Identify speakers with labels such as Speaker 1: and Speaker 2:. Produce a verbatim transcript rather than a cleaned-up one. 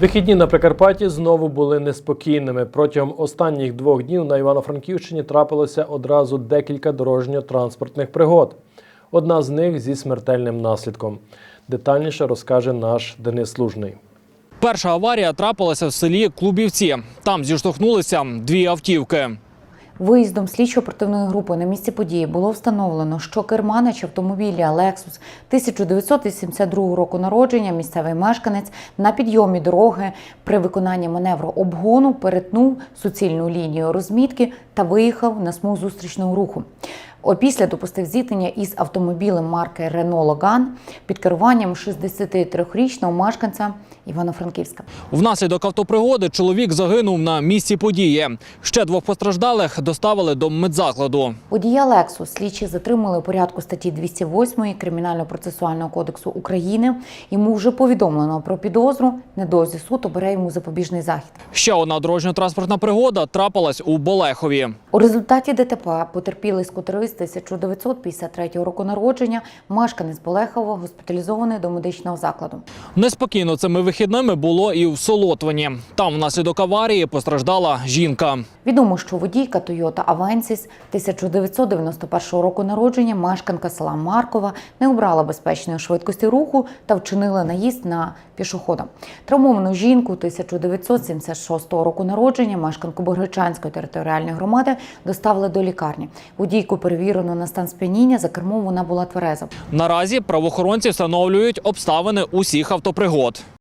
Speaker 1: Вихідні на Прикарпатті знову були неспокійними. Протягом останніх двох днів на Івано-Франківщині трапилося одразу декілька дорожньо-транспортних пригод. Одна з них зі смертельним наслідком. Детальніше розкаже наш Денис Лужний.
Speaker 2: Перша аварія трапилася в селі Клубівці. Там зіштовхнулися дві автівки.
Speaker 3: Виїздом слідчо-оперативної групи на місці події було встановлено, що керманич автомобіля «Лексус» тисяча дев'ятсот вісімдесят другого року народження, місцевий мешканець, на підйомі дороги при виконанні маневру обгону перетнув суцільну лінію розмітки та виїхав на смугу зустрічного руху. Опісля допустив зіткнення із автомобілем марки «Рено Логан» під керуванням шістдесятитрирічного мешканця Івано-Франківська.
Speaker 2: Внаслідок автопригоди чоловік загинув на місці події. Ще двох постраждалих доставили до медзакладу.
Speaker 3: Водія «Лексус» слідчі затримали у порядку статті двісті восьмої Кримінально-процесуального кодексу України. Йому вже повідомлено про підозру. Недовзі суд обере йому запобіжний захід.
Speaker 2: Ще одна дорожньо-транспортна пригода трапилась у Болехові.
Speaker 3: У результаті ДТП потерпілий скутерист тисяча дев'ятсот п'ятдесят третього року народження, мешканець Болехова, госпіталізований до медичного закладу.
Speaker 2: Неспокійно цими вихідними було і в Солотвині. Там внаслідок аварії постраждала жінка.
Speaker 3: Відомо, що водійка Toyota Avensis тисяча дев'ятсот дев'яносто першого року народження, мешканка села Маркова, не обрала безпечної швидкості руху та вчинила наїзд на пішохода. Травмовану жінку тисяча дев'ятсот сімдесят шостого року народження, мешканку Богречанської територіальної громади, доставили до лікарні. Водійку перевірено на стан сп'яніння, за кермом вона була твереза.
Speaker 2: Наразі правоохоронці встановлюють обставини усіх автопригод.